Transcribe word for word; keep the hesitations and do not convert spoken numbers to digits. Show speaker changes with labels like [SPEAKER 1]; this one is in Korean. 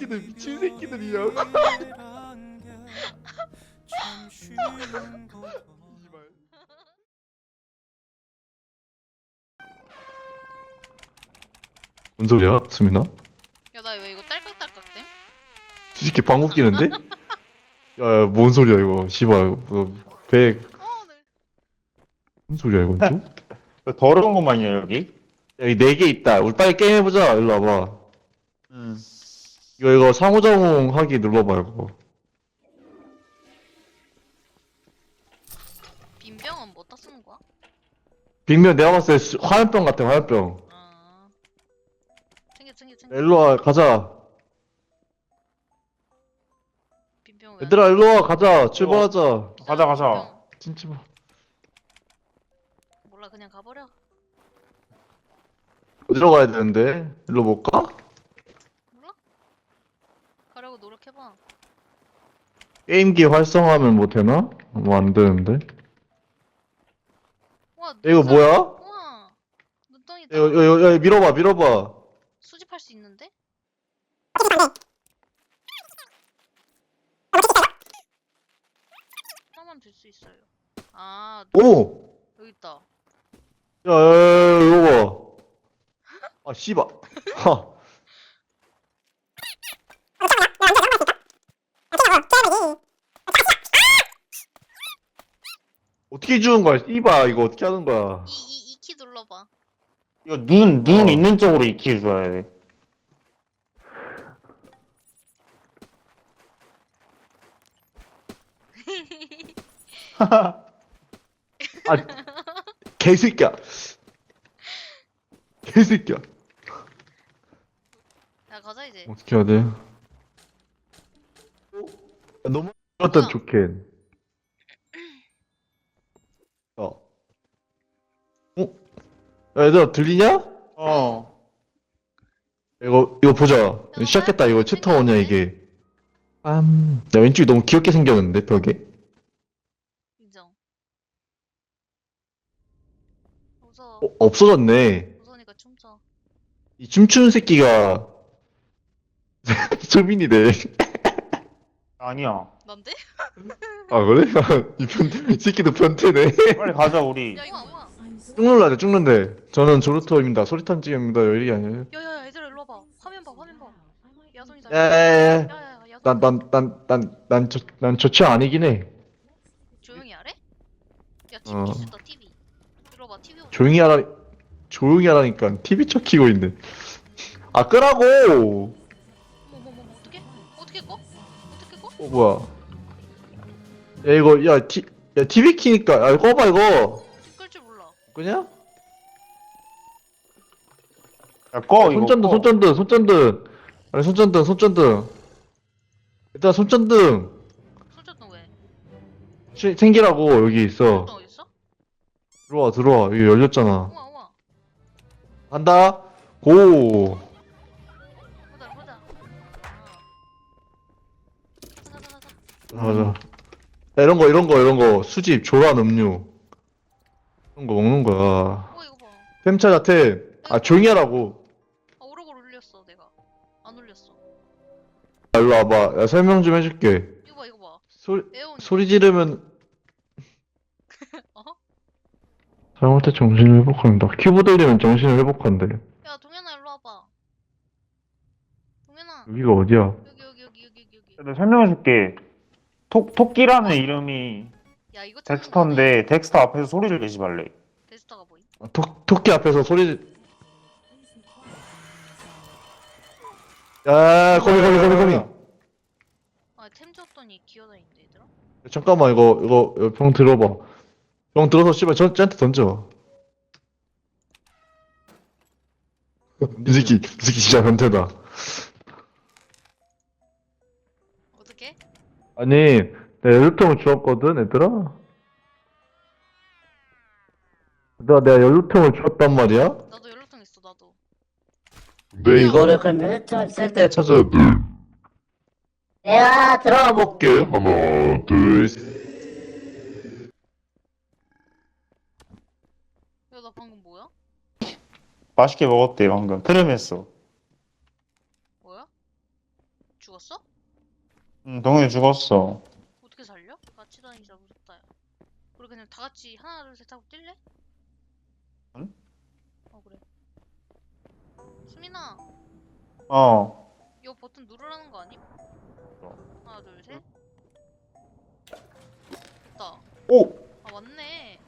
[SPEAKER 1] 새끼들 미친 새끼들이야. 뭔 소리야, 수민아?
[SPEAKER 2] 야, 나 왜 이거 딸깍딸깍댐?
[SPEAKER 1] 이 새끼 방귀 끼는데? 야, 야, 뭔 소리야 이거? 씨발, 뭐, 배,
[SPEAKER 2] 어, 네.
[SPEAKER 1] 무슨 소리야 이건 또?
[SPEAKER 3] 더러운 것만이야 여기?
[SPEAKER 1] 여기 네 개 있다. 우리 빨리 게임 해보자. 일로 와봐.
[SPEAKER 3] 응.
[SPEAKER 1] 이거 이거 상호작용 하기 눌러봐 이거.
[SPEAKER 2] 빈병은 뭐다 쓰는 거야?
[SPEAKER 1] 빅면 내가 봤을 때 수- 화염병 같아 화염병.
[SPEAKER 2] 아, 챙겨, 챙겨, 챙겨.
[SPEAKER 1] 일로 와 가자.
[SPEAKER 2] 빈병 왜?
[SPEAKER 1] 얘들아 일로 와 가자. 출발하자.
[SPEAKER 3] 가자, 가자.
[SPEAKER 1] 진짜 뭐.
[SPEAKER 2] 몰라, 그냥 가버려.
[SPEAKER 1] 어디로 가야 되는데? 일로 못 가?
[SPEAKER 2] 몰라? 가려고 노력해봐.
[SPEAKER 1] 게임기 활성화하면 뭐 되나? 뭐 안 되는데.
[SPEAKER 2] 와,
[SPEAKER 1] 야, 이거
[SPEAKER 2] 눈살-
[SPEAKER 1] 뭐야?
[SPEAKER 2] 우와, 눈덩이다.
[SPEAKER 1] 이거 이거 이거 밀어봐 밀어봐.
[SPEAKER 2] 수집할 수 있는데? 하나만 줄 수 있어요. 아,
[SPEAKER 1] 오!
[SPEAKER 2] 여기 있다.
[SPEAKER 1] 야, 야, 야, 이거 봐. 아, 씨발. 하. 어떻게 주는 거야? 씨발, 이거 어떻게 하는 거야?
[SPEAKER 2] 이, 이, 이 키 눌러봐.
[SPEAKER 3] 이거 눈, 눈
[SPEAKER 1] 어.
[SPEAKER 3] 있는 쪽으로 익히 줘야 돼.
[SPEAKER 1] 아, 개새끼야. 개새끼야.
[SPEAKER 2] 야, 가자, 이제.
[SPEAKER 1] 어떻게 해야 돼? 야, 너무 좋았던
[SPEAKER 2] 뭐야?
[SPEAKER 1] 조켄. 어. 어? 야, 얘들아, 들리냐?
[SPEAKER 3] 어.
[SPEAKER 1] 이거, 이거 보자. 시작했다. 이거 챕터 원이야, 이게. 빰. 야, 왼쪽이 너무 귀엽게 생겼는데, 벽에?
[SPEAKER 2] 인정. 무서워.
[SPEAKER 1] 어, 없어졌네.
[SPEAKER 2] 무서우니까 춤춰.
[SPEAKER 1] 이 춤추는 새끼가 소민이네.
[SPEAKER 3] 아니야.
[SPEAKER 2] 난데?
[SPEAKER 1] 아 그래? 이 변태, 이 새끼도 변태네.
[SPEAKER 3] 빨리 가자, 우리.
[SPEAKER 2] 야, 이거 뭐야?
[SPEAKER 1] 쭉 눌러야 돼, 쭉 눌러야 돼. 저는 조르토입니다. 소리탄 지입니다. 여기 아니에요.
[SPEAKER 2] 야, 야, 야, 얘들아, 일로 와봐. 화면 봐, 화면 봐. 야손이다.
[SPEAKER 1] 야야야야.
[SPEAKER 2] 야, 야, 야, 야손.
[SPEAKER 1] 난, 난, 난, 난, 난, 저, 난 저체 아니긴 해.
[SPEAKER 2] 조용히 하래? 야, 티비
[SPEAKER 1] 어.
[SPEAKER 2] 켰다, 티비. 일로 와봐, 티비.
[SPEAKER 1] 조용히 하라, 조용히 하라니까. 티비 쳐 키고 있네. 아, 끄라고!
[SPEAKER 2] 어머, 어머, 어머, 어떡해? 어떻게 꺼? 어떻게 꺼?
[SPEAKER 1] 어, 뭐야. 야, 이거, 야, 티, 야, 티비 키니까. 야, 꺼봐, 이거.
[SPEAKER 2] 끌 줄 몰라.
[SPEAKER 1] 그냥?
[SPEAKER 3] 야, 꺼, 이거.
[SPEAKER 1] 손전등,
[SPEAKER 3] 꺼.
[SPEAKER 1] 손전등, 손전등. 아니, 손전등, 손전등. 일단 손전등.
[SPEAKER 2] 손전등 왜?
[SPEAKER 1] 시- 생기라고, 여기 있어.
[SPEAKER 2] 손전등 어딨어?
[SPEAKER 1] 들어와, 들어와. 이거 열렸잖아.
[SPEAKER 2] 우와, 우와.
[SPEAKER 1] 간다. 고.
[SPEAKER 2] 보자, 보자. 아. 가자, 가자, 가자.
[SPEAKER 1] 맞아. 야, 이런 거, 이런 거, 이런 거. 수집, 조란, 음료. 이런 거 먹는 거야.
[SPEAKER 2] 어, 이거 봐.
[SPEAKER 1] 템 찾아, 템. 아, 조용히 하라고.
[SPEAKER 2] 아, 오르골 울렸어, 내가. 안 울렸어.
[SPEAKER 1] 야, 일로 와봐. 야, 설명 좀 해줄게.
[SPEAKER 2] 이거 봐, 이거 봐.
[SPEAKER 1] 소리,
[SPEAKER 2] 에어온.
[SPEAKER 1] 소리 지르면.
[SPEAKER 2] 어?
[SPEAKER 1] 잘못할 때 정신을 회복한다. 큐브 돌리면 정신을 회복한대.
[SPEAKER 2] 야, 동현아, 일로 와봐. 동현아.
[SPEAKER 1] 여기가 어디야?
[SPEAKER 2] 여기, 여기, 여기, 여기, 여기, 여기.
[SPEAKER 3] 내가 설명해줄게. 토, 토끼라는 이름이
[SPEAKER 2] 야, 이거 찾는 거네.
[SPEAKER 3] 덱스터인데, 덱스터 앞에서 소리를 내지 말래.
[SPEAKER 2] 데스터가 뭐임?
[SPEAKER 1] 아, 토, 토끼 앞에서 소리. 야, 거미, 거미, 거미, 거미.
[SPEAKER 2] 아, 템 줬더니 기어다니는데, 얘들아?
[SPEAKER 1] 잠깐만, 이거, 이거, 이거 병 들어봐. 병 들어서 씨발, 저, 쟤한테 던져. 이 새끼, 이 새끼 진짜 변태다.
[SPEAKER 2] 어떻게?
[SPEAKER 1] 아니, 내가 연료통을 주었거든, 얘들아? 얘들아, 내가 연료통을 주었단 말이야?
[SPEAKER 2] 나도 연료통 있어, 나도.
[SPEAKER 1] 근데
[SPEAKER 4] 이거를 그러면 쓸때
[SPEAKER 1] 찾아야 돼.
[SPEAKER 4] 내가 들어가 볼게.
[SPEAKER 1] 볼게. 하나, 둘, 셋.
[SPEAKER 2] 야, 나 방금 뭐야?
[SPEAKER 3] 맛있게 먹었대, 방금. 트름했어.
[SPEAKER 2] 뭐야? 죽었어?
[SPEAKER 3] 응, 동현이 죽었어.
[SPEAKER 2] 어떻게 살려? 같이 다니자 무섭다 야. 우리 그냥 다 같이 하나 둘 셋 하고 뛸래?
[SPEAKER 3] 응?
[SPEAKER 2] 어 그래. 수민아
[SPEAKER 3] 어.
[SPEAKER 2] 이거 버튼 누르라는 거 아님? 하나 둘 셋. 됐다.
[SPEAKER 3] 오!
[SPEAKER 2] 아 맞네.